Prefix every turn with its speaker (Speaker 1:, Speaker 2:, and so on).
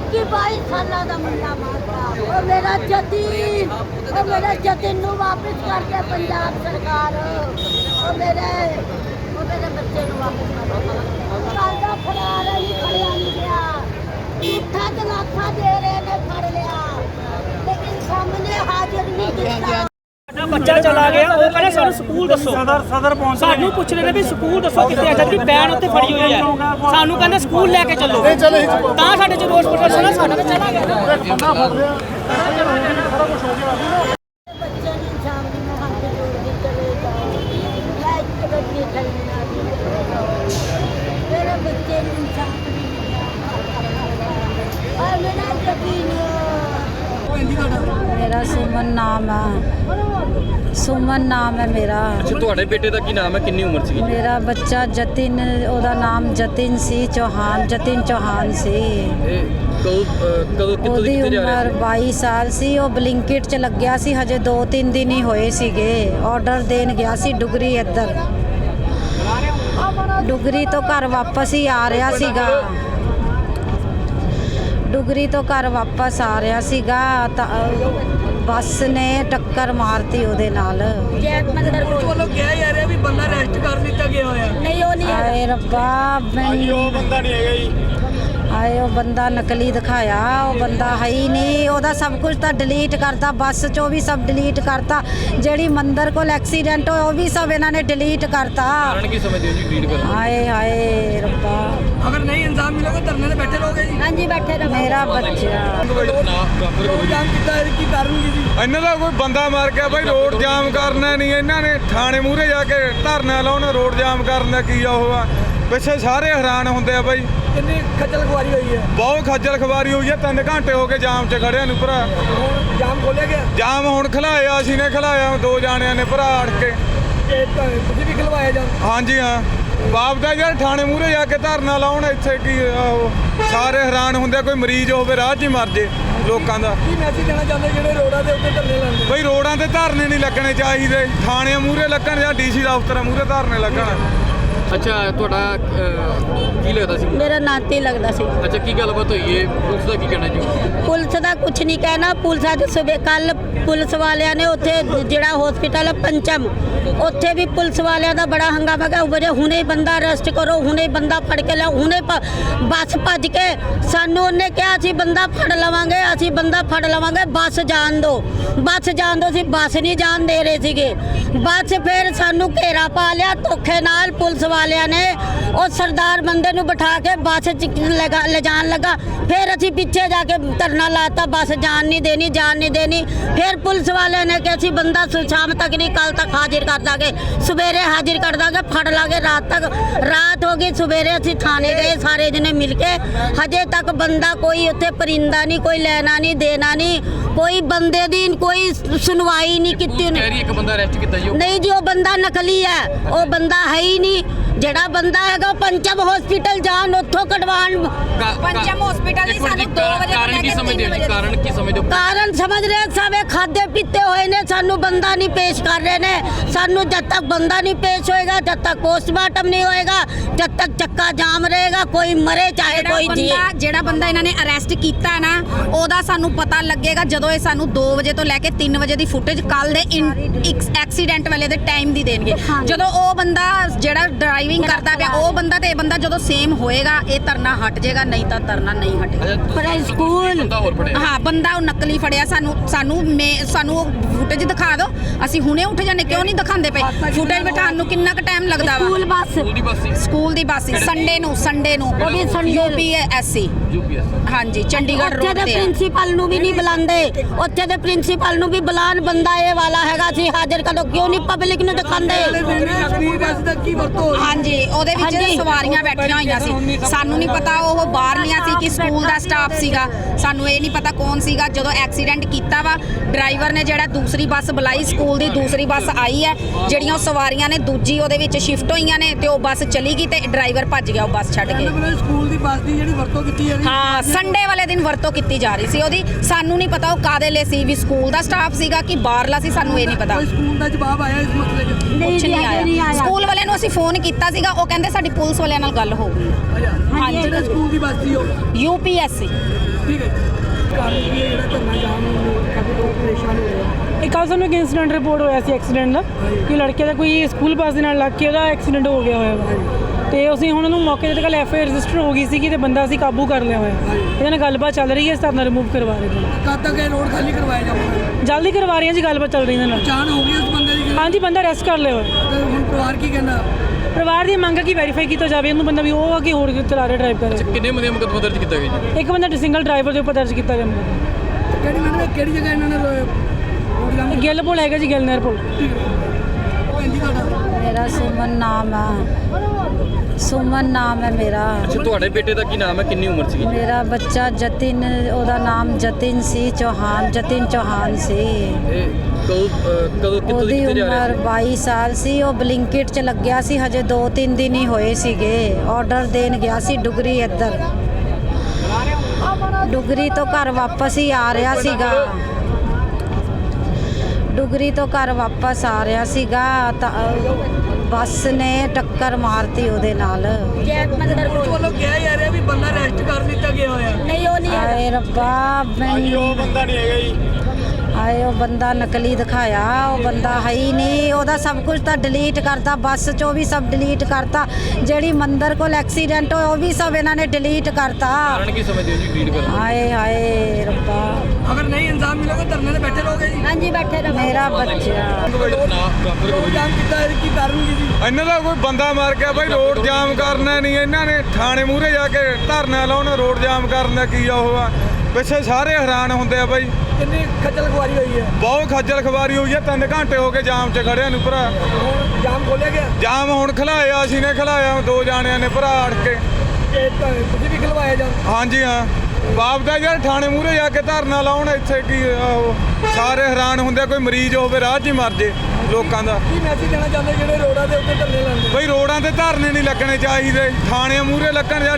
Speaker 1: 22 ਸਾਲਾਂ ਦਾ ਮੁੰਡਾ ਮਾਰਦਾ। ਉਹ ਮੇਰਾ ਜਤੀਨ, ਉਹ ਮੇਰਾ ਜਤੀਨ ਨੂੰ ਵਾਪਸ ਕਰਕੇ ਪੰਜਾਬ ਸਰਕਾਰ, ਉਹ ਮੇਰੇ ਬੱਚੇ ਨੂੰ ਵਾਪਸ ਕਰ। ਕੱਲ ਦਾ ਫਰਾਰ ਨਹੀਂ ਖੜਿਆ ਨਹੀਂ ਗਿਆ, ਝੂਠਾ ਗਲਾਫਾ ਦੇ ਰਹੇ ਨੇ, ਫੜ ਲਿਆ ਲੇਕਿਨ ਸਾਹਮਣੇ ਹਾਜ਼ਰ ਨਹੀਂ ਕੀਤਾ।
Speaker 2: ਸਾਡਾ ਬੱਚਾ ਚਲਾ ਗਿਆ, ਉਹ ਕਹਿੰਦੇ ਸਾਨੂੰ ਸਕੂਲ ਦੱਸੋ। ਸਦਰ ਪਹੁੰਚ ਸਾਨੂੰ ਪੁੱਛ ਰਹੇ ਨੇ ਵੀ ਸਕੂਲ ਦੱਸੋ ਕਿੱਥੇ ਹੈ, ਜਦ ਕਿ ਬੈਨ ਉੱਤੇ ਫੜੀ ਹੋਈ ਹੈ। ਸਾਨੂੰ ਕਹਿੰਦੇ ਸਕੂਲ ਲੈ ਕੇ ਚੱਲੋ, ਤਾਂ ਸਾਡੇ ਚ ਰੋਸ ਪ੍ਰਦਰਸ਼ਨ ਹੈ। ਸਾਡਾ ਤਾਂ ਚਲਾ ਗਿਆ ਨਾ।
Speaker 1: ਬੱਚੇ ਨੂੰ ਸਾਹਮਣੇ ਨੂੰ ਹੱਥ ਜੋੜ ਕੇ ਚਲੇ ਜਾਓ, ਲਾਈਟ ਕੇ ਬੱਚੇ ਚੱਲਣਾ ਮੇਰੇ ਬੱਚੇ ਨੂੰ ਸਾਹਮਣੇ ਆ ਮੇਰਾ ਜਤੀਨ।
Speaker 3: मेरा सुमन नाम है, सुमन नाम है मेरा।
Speaker 4: अच्छा, ਤੁਹਾਡੇ ਬੇਟੇ ਦਾ ਕੀ ਨਾਮ ਹੈ, ਕਿੰਨੀ ਉਮਰ ਸੀ?
Speaker 3: मेरा बच्चा जतिन, ਉਹਦਾ ਨਾਮ ਜਤਿਨ ਸੀ ਚੌਹਾਨ, ਜਤਿਨ ਚੌਹਾਨ ਸੀ।
Speaker 4: ਕਦੋਂ ਕਿੱਥੋਂ
Speaker 3: ਉਹਦੀ
Speaker 4: ਕਿੱਥੇ ਜਾ ਰਿਹਾ
Speaker 3: ਉਮਰ 22 ਸਾਲ ਸੀ। ਉਹ ਬਲਿੰਕਿਟ 'ਚ ਲੱਗਿਆ ਸੀ, ਹਜੇ 2-3 ਦਿਨ ਹੀ ਹੋਏ ਸੀਗੇ। ਆਰਡਰ ਦੇਣ ਗਿਆ ਸੀ ਡੁਗਰੀ, ਇੱਧਰ ਡੁਗਰੀ ਤੋਂ ਘਰ ਵਾਪਸ ਹੀ ਆ ਰਿਹਾ ਸੀਗਾ। ਡੁਗਰੀ ਤੋਂ ਘਰ ਵਾਪਸ ਆ ਰਿਹਾ ਸੀਗਾ ਤਾਂ ਬੱਸ ਨੇ ਟੱਕਰ ਮਾਰਤੀ ਉਹਦੇ ਨਾਲ।
Speaker 2: ਵੱਲੋਂ ਕਿਹਾ ਜਾ ਰਿਹਾ ਵੀ ਬੰਦਾ ਅਰੈਸਟ ਕਰ ਲਿੱਤਾ ਗਿਆ ਹੋਇਆ।
Speaker 1: ਨਹੀਂ ਉਹ ਨਹੀਂ
Speaker 3: ਆਏ ਰੱਬਾ,
Speaker 4: ਉਹ ਬੰਦਾ ਨਹੀਂ ਹੈਗਾ ਜੀ।
Speaker 3: ਆਏ ਉਹ ਬੰਦਾ ਨਕਲੀ ਦਿਖਾਇਆ, ਉਹ ਬੰਦਾ ਹੈ ਹੀ ਨਹੀਂ। ਉਹਦਾ ਸਭ ਕੁਝ ਤਾਂ ਡਿਲੀਟ ਕਰਤਾ, ਬੱਸ 'ਚੋਂ ਵੀ ਸਭ ਡਿਲੀਟ ਕਰਤਾ। ਜਿਹੜੀ ਮੰਦਰ ਕੋਲ ਐਕਸੀਡੈਂਟ ਹੋਇਆ ਉਹ ਵੀ ਸਭ ਇਹਨਾਂ ਨੇ ਡਿਲੀਟ ਕਰਤਾ।
Speaker 4: ਕਾਰਨ ਕੀ ਸਮਝਦੇ ਹੋ ਜੀ ਡਿਲੀਟ ਕਰਨ ਦਾ?
Speaker 3: ਹਾਏ ਹਾਏ ਰੱਬਾ,
Speaker 2: ਅਗਰ ਨਹੀਂ ਇਨਸਾਨ ਮਿਲੇਗਾ ਧਰਨੇ ਤੇ ਬੈਠੇ ਰਹੋਗੇ ਜੀ?
Speaker 1: ਹਾਂਜੀ ਬੈਠੇ ਰਹੋ।
Speaker 3: ਮੇਰਾ ਬੱਚਾ
Speaker 2: ਰੋਡ ਜਾਮ ਕੀਤਾ ਹੈ, ਕੀ ਕਾਰਨ ਕੀ ਜੀ?
Speaker 5: ਇਹਨਾਂ ਦਾ ਕੋਈ ਬੰਦਾ ਮਾਰ ਗਿਆ ਬਾਈ, ਰੋਡ ਜਾਮ ਕਰਨਾ ਨਹੀਂ। ਇਹਨਾਂ ਨੇ ਥਾਣੇ ਮੂਹਰੇ ਜਾ ਕੇ ਧਰਨਾ ਲਾਉਣ, ਰੋਡ ਜਾਮ ਕਰਨ ਦਾ ਕੀ ਆ ਉਹ ਆ। ਪਿੱਛੇ ਸਾਰੇ ਹੈਰਾਨ ਹੁੰਦੇ ਆ ਬਾਈ।
Speaker 2: ਕਿੰਨੀ ਖੱਜਲ ਖੁਆਰੀ ਹੋਈ ਹੈ?
Speaker 5: ਬਹੁਤ ਖੱਜਲ ਖਵਾਰੀ ਹੋਈ ਹੈ। 3 ਘੰਟੇ ਹੋ ਗਏ ਜਾਮ 'ਚ ਖੜਿਆਂ ਨੂੰ ਭਰਾ।
Speaker 2: ਹੁਣ ਜਾਮ ਖੋਲਿਆ ਗਿਆ?
Speaker 5: ਜਾਮ ਹੁਣ ਖਲਾਇਆ, ਅਸੀਂ ਨੇ ਖਲਾਇਆ, 2 ਜਾਣਿਆਂ ਨੇ ਭਰਾ ਅੜ ਕੇ।
Speaker 2: ਤੇ ਤੁਸੀਂ ਵੀ ਖਲਵਾਇਆ ਜਾਮ?
Speaker 5: ਹਾਂਜੀ ਹਾਂ, ਬਾਪ ਦਾ ਯਾਰ ਥਾਣੇ ਮੂਹਰੇ ਜਾ ਕੇ ਧਰਨਾ ਲਾਉਣ, ਇੱਥੇ ਕੀ ਉਹ ਸਾਰੇ ਹੈਰਾਨ ਹੁੰਦੇ ਆ। ਕੋਈ ਮਰੀਜ਼ ਹੋਵੇ ਰਾਹ 'ਚ ਹੀ ਮਰ ਜੇ ਲੋਕਾਂ ਦਾ।
Speaker 2: ਕੀ ਮੈਸੇਜ ਦੇਣਾ ਚਾਹੁੰਦੇ ਜਿਹੜੇ ਰੋਡਾਂ ਦੇ ਉੱਤੇ ਧਰਨੇ ਲਾਉਂਦੇ?
Speaker 5: ਬਈ ਰੋਡਾਂ ਤੇ ਧਰਨੇ ਨਹੀਂ ਲੱਗਣੇ ਚਾਹੀਦੇ, ਥਾਣੇ ਮੂਹਰੇ ਲੱਗਣ ਜਾਂ ਡੀਸੀ ਦਫ਼ਤਰ ਮੂਹਰੇ ਧਰਨੇ ਲੱਗਣ।
Speaker 4: ਅੱਛਾ, ਤੁਹਾਡਾ ਕੀ ਲੱਗਦਾ ਸੀ?
Speaker 1: ਮੇਰਾ ਨਾਤੀ ਲੱਗਦਾ ਸੀ।
Speaker 4: ਅੱਛਾ, ਕੀ ਗੱਲਬਾਤ ਹੋਈ ਹੈ? ਪੁਲਿਸ ਦਾ ਕੀ ਕਹਿਣਾ ਜੀ?
Speaker 1: ਪੁਲਿਸ ਦਾ ਕੁਝ ਨਹੀਂ ਕਹਿਣਾ। ਪੁਲਿਸ ਅੱਜ ਸਵੇਰੇ ਕੱਲ ਪੁਲਿਸ ਵਾਲਿਆਂ ਨੇ ਉੱਥੇ ਜਿਹੜਾ ਹਸਪੀਟਲ ਪੰਚਮ, ਉੱਥੇ ਵੀ ਪੁਲਿਸ ਵਾਲਿਆਂ ਦਾ ਬੜਾ ਹੰਗਾਮਾ ਗਿਆ। ਵਜੇ ਹੁਣੇ ਬੰਦਾ ਅਰੈਸਟ ਕਰੋ, ਹੁਣੇ ਬੰਦਾ ਫੜ ਕੇ ਲਿਆਓ, ਹੁਣੇ ਬੱਸ ਭੱਜ ਕੇ ਸਾਨੂੰ ਉਹਨੇ ਕਿਹਾ ਅਸੀਂ ਬੰਦਾ ਫੜ ਲਵਾਂਗੇ, ਅਸੀਂ ਬੰਦਾ ਫੜ ਲਵਾਂਗੇ, ਬੱਸ ਜਾਣ ਦਿਓ, ਬੱਸ ਜਾਣ ਦਿਓ। ਅਸੀਂ ਬੱਸ ਨਹੀਂ ਜਾਣ ਦੇ ਰਹੇ ਸੀਗੇ। ਬੱਸ ਫਿਰ ਸਾਨੂੰ ਘੇਰਾ ਪਾ ਲਿਆ ਧੋਖੇ ਨਾਲ ਪੁਲਿਸ ਵਾਲਿਆਂ ਨੇ। ਉਹ ਸਰਦਾਰ ਬੰਦੇ ਨੂੰ ਬਿਠਾ ਕੇ ਬੱਸ 'ਚ ਲਿਜਾਣ ਲੱਗਾ। ਫਿਰ ਅਸੀਂ ਪਿੱਛੇ ਜਾ ਕੇ ਧਰਨਾ ਲਾਤਾ, ਬੱਸ ਜਾਣ ਨਹੀਂ ਦੇਣੀ, ਜਾਣ ਨਹੀਂ ਦੇਣੀ। ਫਿਰ ਪੁਲਿਸ ਵਾਲਿਆਂ ਨੇ ਕਿ ਅਸੀਂ ਬੰਦਾ ਸ਼ਾਮ ਤੱਕ ਨਹੀਂ, ਕੱਲ ਤੱਕ ਹਾਜ਼ਰ ਕਰ ਦਾਂਗੇ, ਸਵੇਰੇ ਹਾਜ਼ਰ ਕਰ ਦਾਂਗੇ, ਫੜ ਲਾਂਗੇ। ਰਾਤ ਹੋ ਗਈ, ਸਵੇਰੇ ਅਸੀਂ ਥਾਣੇ ਗਏ ਸਾਰੇ ਜਣੇ ਮਿਲ ਕੇ। ਹਜੇ ਤੱਕ ਬੰਦਾ ਕੋਈ ਉੱਥੇ ਪਰਿੰਦਾ ਨਹੀਂ, ਕੋਈ ਲੈਣਾ ਨਹੀਂ ਦੇਣਾ ਨਹੀਂ, ਕੋਈ ਬੰਦੇ ਦੀ ਕੋਈ ਸੁਣਵਾਈ ਨਹੀਂ ਕੀਤੀ ਉਹਨੇ।
Speaker 4: ਕਹਿ ਰਹੀ ਇੱਕ ਬੰਦਾ ਅਰੈਸਟ ਕੀਤਾ ਜੀ।
Speaker 1: ਨਹੀਂ ਜੀ, ਉਹ ਬੰਦਾ ਨਕਲੀ ਹੈ, ਉਹ ਬੰਦਾ ਹੈ ਹੀ ਨਹੀਂ। ਜਿਹੜਾ ਬੰਦਾ ਹੈਗਾ ਪੰਚਮ ਹਸਪੀਟਲ ਜਾਣ, ਉੱਥੋਂ ਕਢਵਾਣ।
Speaker 3: ਪੰਚਮ ਹਸਪੀਟਲ ਨਹੀਂ, ਸਾਨੂੰ 2 ਵਜੇ ਤੋਂ ਲੈ ਕੇ 3 ਵਜੇ।
Speaker 4: ਕਾਰਨ ਕੀ ਸਮਝਦੇ ਹੋ?
Speaker 1: ਕਾਰਨ ਸਮਝ ਰਹੇ ਸਭੇ ਖਾਦੇ ਪੀਤੇ ਹੋਏ ਨੇ, ਸਾਨੂੰ ਬੰਦਾ ਨਹੀਂ ਪੇਸ਼ ਕਰ ਰਹੇ ਨੇ। ਸਾਨੂੰ ਜਦ ਤੱਕ ਬੰਦਾ ਨਹੀਂ ਪੇਸ਼ ਹੋਏਗਾ, ਜਦ ਤੱਕ ਪੋਸਟਮਾਰਟਮ ਨਹੀਂ ਹੋਏਗਾ, ਜਦ ਤੱਕ ਚੱਕਾ ਜਾਮ ਰਹੇਗਾ, ਕੋਈ ਮਰੇ ਚਾਹੇ ਕੋਈ ਜੀਏ।
Speaker 3: ਜਿਹੜਾ ਬੰਦਾ ਇਹਨਾਂ ਨੇ ਅਰੈਸਟ ਕੀਤਾ ਨਾ, ਉਹਦਾ ਸਾਨੂੰ ਪਤਾ ਲੱਗੇਗਾ ਜਦੋਂ ਇਹ ਸਾਨੂੰ 2 ਵਜੇ ਤੋਂ ਲੈ ਕੇ 3 ਵਜੇ ਦੀ ਫੁਟੇਜ ਕੱਲ ਦੇ ਐਕਸੀਡੈਂਟ ਵਾਲੇ ਦੇ ਟਾਈਮ ਦੀ ਦੇਣਗੇ। ਜਦੋਂ ਉਹ ਬੰਦਾ ਜਿਹੜਾ ਡਰਾਈਵਿੰਗ ਕਰਦਾ ਪਿਆ, ਉਹ ਬੰਦਾ ਤੇ ਇਹ ਬੰਦਾ ਜਦੋਂ ਸੇਮ ਹੋਏਗਾ, ਇਹ ਧਰਨਾ ਹਟ ਜਾਏਗਾ, ਨਹੀਂ ਤਾਂ ਧਰਨਾ ਨਹੀਂ ਹਟੇਗਾ।
Speaker 1: ਪਰ ਸਕੂਲ
Speaker 4: ਬੰਦਾ ਹੋਰ ਫੜਿਆ?
Speaker 3: ਹਾਂ, ਬੰਦਾ ਉਹ ਨਕਲੀ ਫੜਿਆ। ਸਾਨੂੰ ਫੁਟੇਜ ਦਿਖਾ ਦਿਓ, ਅਸੀਂ ਹੁਣੇ ਉੱਠ ਜਾਂਦੇ। ਕਿਉਂ ਨਹੀਂ ਦਿਖਾਉਂਦੇ ਪਏ? ਫੁਟੇਜ ਬਿਠਾਉਣ ਨੂੰ ਕਿੰਨਾ ਕੁ ਟਾਈਮ ਲੱਗਦਾ ਵਾ?
Speaker 1: ਸਕੂਲ ਬੱਸ,
Speaker 4: ਸਕੂਲ ਦੀ ਬੱਸ ਸੀ?
Speaker 3: ਸਕੂਲ ਦੀ ਬੱਸ ਸੀ। ਸੰਡੇ ਨੂੰ
Speaker 1: ਉਹ ਵੀ Sunday।
Speaker 3: UPSC, ਹਾਂਜੀ, ਚੰਡੀਗੜ੍ਹ
Speaker 1: ਉੱਥੇ
Speaker 3: ਰੋਡ
Speaker 1: ਦੇ
Speaker 3: ਤੇ।
Speaker 1: ਪ੍ਰਿੰਸੀਪਲ ਨੂੰ ਵੀ ਨਹੀਂ ਬੁਲਾਉਂਦੇ, ਉੱਥੇ ਦੇ ਪ੍ਰਿੰਸੀਪਲ ਨੂੰ ਵੀ ਬੁਲਾਉਣ, ਬੰਦਾ ਇਹ ਵਾਲਾ ਹੈਗਾ ਸੀ ਹਾਜ਼ਰ ਕਰੋ। ਕਿਉਂ ਨਹੀਂ ਪਬਲਿਕ ਨੂੰ ਦਿਖਾਉਂਦੇ?
Speaker 2: ਸਕੂਲ ਬੱਸ ਦਾ ਕੀ ਵਰਤੋਂ?
Speaker 3: ਹਾਂਜੀ, ਉਹਦੇ ਵਿੱਚ
Speaker 1: ਹਾਂਜੀ।
Speaker 3: ਸਵਾਰੀਆਂ ਬੈਠੀਆਂ ਹੋਈਆਂ ਸੀ। ਸਾਨੂੰ ਨਹੀਂ ਪਤਾ ਉਹ ਬਾਹਰਲੀਆਂ ਸੀ ਕਿ ਸਕੂਲ ਦਾ ਸਟਾਫ ਸੀਗਾ, ਸਾਨੂੰ ਇਹ ਨਹੀਂ ਪਤਾ ਕੌਣ ਸੀਗਾ। ਜਦੋਂ ਐਕਸੀਡੈਂਟ ਕੀਤਾ ਵਾ, ਡਰਾਈਵਰ ਨੇ ਜਿਹੜਾ ਦੂਸਰੀ ਬੱਸ ਬੁਲਾਈ, ਸਕੂਲ ਦੀ ਦੂਸਰੀ ਬੱਸ ਆਈ ਹੈ, ਜਿਹੜੀਆਂ ਉਹ ਸਵਾਰੀਆਂ ਨੇ ਦੂਜੀ ਉਹਦੇ ਵਿੱਚ ਸ਼ਿਫਟ ਹੋਈਆਂ ਨੇ, ਤੇ ਉਹ ਬੱਸ ਚਲੀ ਗਈ ਤੇ ਡਰਾਈਵਰ ਭੱਜ ਗਿਆ ਉਹ ਬੱਸ ਛੱਡ ਕੇ।
Speaker 2: ਸਕੂਲ ਦੀ ਬੱਸ ਦੀ ਜਿਹੜੀ ਵਰਤੋਂ ਕੀਤੀ ਜਾ ਰਹੀ?
Speaker 3: ਹਾਂ, ਸੰਡੇ ਵਾਲੇ ਦਿਨ ਵਰਤੋਂ ਕੀਤੀ ਜਾ ਰਹੀ ਸੀ ਉਹਦੀ। ਸਾਨੂੰ ਨਹੀਂ ਪਤਾ ਉਹ ਕਾਦੇ ਲਈ ਸੀ, ਵੀ ਸਕੂਲ ਦਾ ਸਟਾਫ ਸੀਗਾ ਕਿ ਬਾਹਰਲਾ ਸੀ, ਸਾਨੂੰ ਇਹ ਨਹੀਂ ਪਤਾ।
Speaker 2: ਕੋਈ ਸਕੂਲ ਦਾ ਜਵਾਬ ਆਇਆ ਇਸ ਮਸਲੇ 'ਚ?
Speaker 3: ਕੁਛ ਨਹੀਂ ਆਇਆ। ਸਕੂਲ ਵਾਲਿਆਂ ਨੂੰ ਅਸੀਂ ਫੋਨ ਕੀਤਾ ਸੀਗਾ, ਉਹ ਕਹਿੰਦੇ ਸਾਡੀ ਪੁਲਿਸ ਵਾਲਿਆਂ ਨਾਲ ਗੱਲ ਹੋ ਗਈ।
Speaker 2: ਹਾਂਜੀ, ਸਕੂਲ ਦੀ ਬੱਸ ਸੀ ਉਹ?
Speaker 3: UPSC।
Speaker 6: ਠੀਕ ਹੈ ਕਾਰਨ ਕੀ ਹੈ ਜਿਹੜਾ ਧਰਨਾ ਜਾਮ ਕਾਫੀ ਲੋਕ ਪਰੇਸ਼ਾਨ ਹੋ ਰਹੇ ਆ?
Speaker 7: ਇਹ ਕੱਲ੍ਹ ਸਾਨੂੰ ਇੱਕ ਇਨਸੀਡੈਂਟ ਰਿਪੋਰਟ ਹੋਇਆ ਸੀ ਐਕਸੀਡੈਂਟ ਦਾ ਕਿ ਲੜਕੇ ਦਾ ਕੋਈ ਸਕੂਲ ਬੱਸ ਦੇ ਨਾਲ ਲੱਗ ਕੇ ਉਹਦਾ ਐਕਸੀਡੈਂਟ ਹੋ ਗਿਆ ਹੋਇਆ ਵਾ ਤੇ ਅਸੀਂ ਹੁਣ ਉਹਨੂੰ ਮੌਕੇ 'ਤੇ ਕੱਲ੍ਹ ਐਫ.ਆਈ.ਆਰ ਰਜਿਸਟਰ ਹੋ ਗਈ ਸੀ ਤੇ ਬੰਦਾ ਅਸੀਂ ਕਾਬੂ ਕਰ ਲਿਆ ਹੋਇਆ ਇਹਦੇ ਨਾਲ ਗੱਲਬਾਤ ਚੱਲ ਰਹੀ ਹੈ ਇਸ ਧਰਨਾ ਰਿਮੂਵ ਕਰਵਾ ਰਹੇ ਹਾਂ
Speaker 6: ਕਦ ਤੱਕ ਇਹ ਰੋਡ ਖਾਲੀ ਕਰਵਾਇਆ ਜਾਊਗਾ?
Speaker 7: ਜਲਦੀ ਕਰਵਾ ਰਹੇ ਹਾਂ ਜੀ ਗੱਲਬਾਤ ਚੱਲ ਰਹੀ ਇਹਦੇ ਨਾਲ
Speaker 6: ਜਾਨ ਹੋ ਗਈ ਉਸ ਬੰਦੇ ਦੀ
Speaker 7: ਹਾਂਜੀ ਬੰਦਾ ਅਰੈਸਟ ਕਰ ਲਿਆ ਹੋਇਆ
Speaker 6: ਤੇ ਹੁਣ ਪਰਿਵਾਰ ਕੀ ਕਹਿੰਦਾ?
Speaker 7: ਪਰਿਵਾਰ ਦੀ ਮੰਗ ਹੈ ਕਿ ਵੈਰੀਫਾਈ ਕੀਤਾ ਜਾਵੇ ਉਹਨੂੰ ਬੰਦਾ ਵੀ ਉਹ ਆ ਕਿ ਹੋਰ ਚਲਾ ਰਿਹਾ ਡਰਾਈਵ ਕਰ ਰਿਹਾ
Speaker 4: ਕਿੰਨੇ ਬੰਦੇ ਮੁਕੱਦਮਾ ਦਰਜ ਕੀਤਾ ਗਿਆ ਜੀ?
Speaker 7: ਇੱਕ ਬੰਦਾ ਸਿੰਗਲ ਡਰਾਈਵਰ ਦੇ ਉੱਪਰ ਦਰਜ ਕੀਤਾ ਗਿਆ ਮੁਕੱਦਮਾ
Speaker 6: ਕਿਹੜੀ ਮੈਡਮ ਕਿਹੜੀ ਜਗ੍ਹਾ ਇਹਨਾਂ ਨੇ ਰੋਡ ਜਾਮ
Speaker 7: ਗਿੱਲ ਪੁਲ ਹੈਗਾ ਜੀ ਗਿੱਲ ਨਹਿਰ ਪੁਲ
Speaker 6: ਭੈਣ ਜੀ ਤੁਹਾਡਾ
Speaker 1: ਮੇਰਾ ਸੁਮਨ ਨਾਮ ਹੈ ਮੇਰਾ।
Speaker 4: ਅੱਛਾ ਤੁਹਾਡੇ ਬੇਟੇ ਦਾ ਕੀ ਨਾਮ ਹੈ, ਕਿੰਨੀ ਉਮਰ ਸੀਗੀ?
Speaker 1: ਮੇਰਾ ਬੱਚਾ ਜਤਿਨ, ਉਹਦਾ ਨਾਮ ਜਤਿਨ ਸੀ ਚੌਹਾਨ ਸੀ।
Speaker 4: ਇਹ ਕਦੋਂ ਕਿੱਥੋਂ
Speaker 1: ਉਹਦੀ
Speaker 4: ਕਿੱਥੇ ਜਾ ਰਿਹਾ
Speaker 1: ਉਮਰ 22 ਸਾਲ ਸੀ। ਉਹ ਬਲਿੰਕਿਟ 'ਚ ਲੱਗਿਆ ਸੀ, ਹਜੇ 2-3 ਦਿਨ ਹੀ ਹੋਏ ਸੀਗੇ। ਆਰਡਰ ਦੇਣ ਗਿਆ ਸੀ ਡੁਗਰੀ ਇੱਧਰ, ਡੁਗਰੀ ਤੋਂ ਘਰ ਵਾਪਸ ਹੀ ਆ ਰਿਹਾ ਸੀਗਾ। ਡੁਗਰੀ ਤੋਂ ਘਰ ਵਾਪਸ ਆ ਰਿਹਾ ਸੀਗਾ ਤਾਂ ਬੱਸ ਨੇ ਟੱਕਰ ਮਾਰਤੀ ਉਹਦੇ ਨਾਲ।
Speaker 6: ਵੱਲੋਂ ਕਿਹਾ ਜਾ ਰਿਹਾ ਵੀ ਬੰਦਾ ਅਰੈਸਟ ਕਰ ਲਿੱਤਾ ਗਿਆ ਹੋਇਆ।
Speaker 1: ਨਹੀਂ ਉਹ ਨਹੀਂ ਆਏ ਰੱਬਾ, ਉਹ ਬੰਦਾ ਨਹੀਂ ਹੈਗਾ ਜੀ। ਆਏ ਉਹ ਬੰਦਾ ਨਕਲੀ ਦਿਖਾਇਆ, ਉਹ ਬੰਦਾ ਹੈ ਹੀ ਨਹੀਂ। ਉਹਦਾ ਸਭ ਕੁਝ ਤਾਂ ਡਿਲੀਟ ਕਰਤਾ, ਬੱਸ 'ਚੋਂ ਵੀ ਸਭ ਡਿਲੀਟ ਕਰਤਾ। ਜਿਹੜੀ ਮੰਦਰ ਕੋਲ ਐਕਸੀਡੈਂਟ ਹੋਇਆ ਉਹ ਵੀ ਸਭ ਇਹਨਾਂ ਨੇ ਡਿਲੀਟ ਕਰਤਾ।
Speaker 4: ਕਾਰਨ ਕੀ ਸਮਝਦੇ ਹੋ ਜੀ ਰੀਡ ਕਰਨ?
Speaker 1: ਹਾਏ ਰੱਬਾ।
Speaker 6: ਅਗਰ ਨਹੀਂ ਇਨਸਾਫ ਮਿਲੇਗਾ ਧਰਨੇ ਤੇ ਬੈਠੇ ਰਹੋਗੇ ਜੀ?
Speaker 1: ਹਾਂਜੀ ਬੈਠੇ ਰਹੋ। ਮੇਰਾ ਬੱਚਾ
Speaker 6: ਰੋਡ ਜਾਮ ਕੀਤਾ ਕੀ ਕਾਰਨ ਕੀ ਜੀ?
Speaker 5: ਇਹਨਾਂ ਦਾ ਕੋਈ ਬੰਦਾ ਮਾਰ ਗਿਆ ਬਾਈ, ਰੋਡ ਜਾਮ ਕਰਨਾ ਨਹੀਂ ਇਹਨਾਂ ਨੇ। ਥਾਣੇ ਮੂਹਰੇ ਜਾ ਕੇ ਧਰਨਾ ਲਾਉਣ, ਰੋਡ ਜਾਮ ਕਰਨ ਦਾ ਕੀ ਉਹ ਆ। ਪਿੱਛੇ ਸਾਰੇ ਹੈਰਾਨ ਹੁੰਦੇ ਆ ਬਾਈ।
Speaker 6: ਕਿੰਨੀ ਖੱਜਲ ਖੁਆਰੀ ਹੋਈ ਹੈ?
Speaker 5: ਬਹੁਤ ਖੱਜਲ ਖਵਾਰੀ ਹੋਈ ਹੈ। 3 ਘੰਟੇ ਹੋ ਗਏ ਜਾਮ 'ਚ ਖੜਿਆਂ ਨੂੰ ਭਰਾ।
Speaker 6: ਹੁਣ ਜਾਮ ਖੋਲਿਆ ਗਿਆ?
Speaker 5: ਜਾਮ ਹੁਣ ਖਲਾਇਆ, ਅਸੀਂ ਨੇ ਖਲਾਇਆ, 2 ਜਾਣਿਆਂ ਨੇ ਭਰਾ ਅੜ ਕੇ।
Speaker 6: ਤੇ ਤੁਸੀਂ ਵੀ ਖਲਵਾਇਆ ਜਾਮ?
Speaker 5: ਹਾਂਜੀ ਹਾਂ, ਬਾਪ ਦਾ ਯਾਰ ਥਾਣੇ ਮੂਹਰੇ ਜਾ ਕੇ ਧਰਨਾ ਲਾਉਣ, ਇੱਥੇ ਕੀ ਉਹ ਸਾਰੇ ਹੈਰਾਨ ਹੁੰਦੇ ਆ। ਕੋਈ ਮਰੀਜ਼ ਹੋਵੇ ਰਾਹ 'ਚ ਹੀ ਮਰ ਜੇ ਲੋਕਾਂ ਦਾ।
Speaker 6: ਕੀ ਮੈਸੇਜ ਦੇਣਾ ਚਾਹੁੰਦੇ ਜਿਹੜੇ ਰੋਡਾਂ ਦੇ ਉੱਤੇ ਧਰਨੇ ਲਾਉਂਦੇ?
Speaker 5: ਬਈ ਰੋਡਾਂ ਤੇ ਧਰਨੇ ਨਹੀਂ ਲੱਗਣੇ ਚਾਹੀਦੇ, ਥਾਣੇ ਮੂਹਰੇ ਲੱਗਣ ਜਾਂ